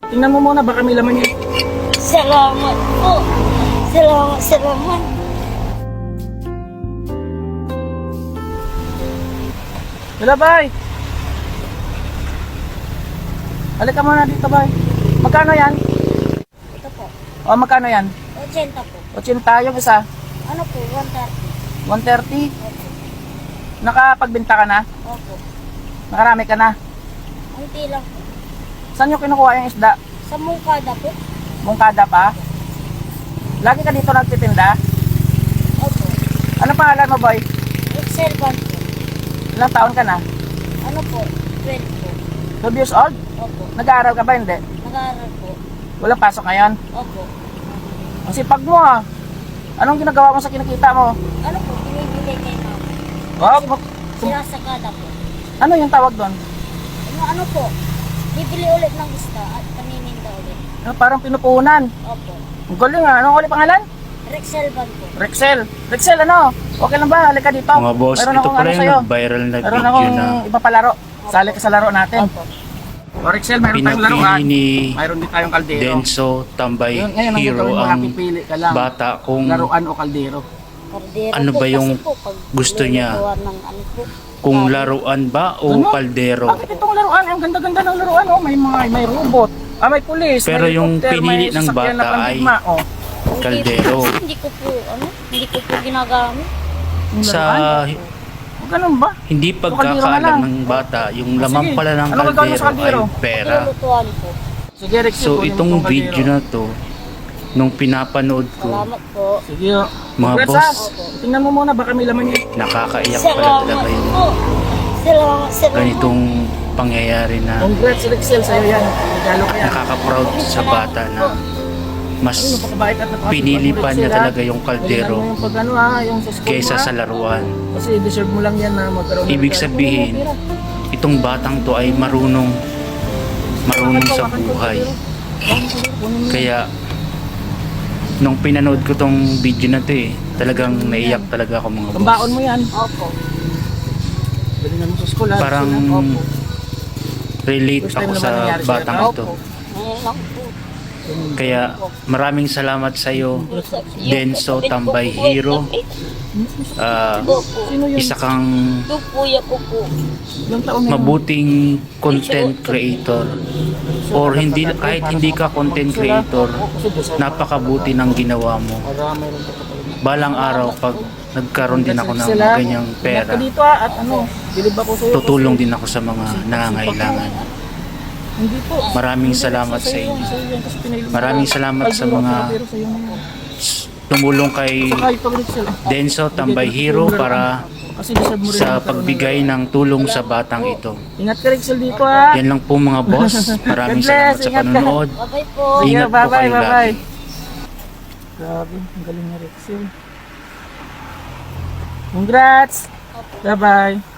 Tingnan mo muna, baka may laman yun. Salamat po. Salamat. Wala, bay. Halika muna dito, bay. Magkano yan? Ito po. O, magkano yan? 80 po. 80 yung isa. Ano po? 130. 130. Opo. Nakapagbenta ka na? Opo. Nakarami ka na? Unti lang po. Saan nyo kinukuha yung isda? Sa Mungkada po. Mungkada pa? Lagi ka dito nagtitinda? Opo. Ano pangalan mo, boy? Excel Bank po. Ilang taon ka na? Ano po? 12 po. 12 years old? Opo. Nag-aaral ka ba? Hindi. Nag-aaral po. Walang pasok ngayon? Opo. Ang sipag mo, ah. Anong ginagawa mo sa kinikita mo? Ano po? Binibili kay mama. Oh, Sinasagada po. ano yung tawag doon? Ano po? Bibili ulit ng isda at panininda ulit. Parang pinupunan. Opo. Ang galing, ah. Anong ulit pangalan? Rexel Bank po. Rexel. Rexel, ano? Okay lang ba? Halika dito. Mga boss, Meron ito akong pala ano yung sa'yo. nag-viral na Meron video akong na ipapalaro. Sali ka sa laro natin. Opo. O, Rexel, mayroon tayong laruan. pinapili ni Mayroon din tayong kaldero. Denso Tambay Ngayon, ang Hero gagawin mo, ang pipili ka lang. bata kung Laruan o kaldero. Kardero Ano po ba yung kasi po, pag gusto niya? lulutuan ng ano po. kung laruan ba o Ano? kaldero. Bakit itong laruan? Ang ganda-ganda ng laruan. Oh, may robot. May pulis. Pero may yung helicopter, pinili may ng sasakyan na bata pandigma. Oh, Hindi Kaldero. po, hindi ko po ginagamit. yung Sa laruan. O, ganun ba? hindi kaldero na pagkakaalam lang. ng bata, yung Ah, laman sige. pala ng Ano gagawin mo sa kaldero ay kaldero? pera. Lulutuan po. Sige, Rexel. So kunin mo itong kaldero. video na to, nung pinapanood ko, Salamat po. Sige. Oh. Mga Congrats, boss. ah. Tingnan mo muna, baka may laman yun. nakakaiyak pala Salamat talaga yung po. Salamat. ganitong pangyayari na Congrats, Rexel. Sa'yo yan. Regalo ka yan. nakaka-proud sa bata na mas Napakabait at napakasipag pinili mo, pa Rexel, niya ah. talaga yung kaldero Galingan mo yung pag ano, ah, yung sa school kaysa mo, sa ah. laruan. Kasi deserve mo lang yan na magkaroon ng Ibig regalo. sabihin, itong batang to ay marunong sa buhay. Kaya nung pinanood ko tong video na to talagang naiyak talaga ako mga boss. Pambaon mo yan. Opo. Galingan mo sa school, ah. Parang Opo. relate First time ako naman sa nangyari sa'yo, batang no? ito. Ngayon lang po. Kaya maraming salamat sa iyo, Denso Tambay Hero. Sino yun? Isa kang Yung kuya ko po. Ilang taon na yun? mabuting content creator, or hindi, kahit hindi ka content creator, napakabuti ng ginawa mo. Marami rin pa. Balang araw pag nagkaroon din ako ng Sila, ganyang ingat pera, ka dito, ah, at ano, bilib ako sa'yo. tutulong din ako sa mga nangangailangan. Hindi po. Maraming salamat sa Sa'yo inyo. yan, kasi pinahilip mo Maraming lang. salamat sa Kaldero, mga pero sa'yo na yan. tumulong kay Saka ito, Rexel, ah. Denso Tambay Hero para Kasi deserve mo rin sa magkaroon pagbigay ng tulong sa batang ito. Ingat ka, Rexel, dito, ah. Yan lang po mga boss. Maraming God bless, salamat sa ingat ka. panonood. Bye-bye po. Ingat po bye-bye, kayo bye-bye. lagi. Grabe, ang galing ni Rexel. Congrats! Bye-bye.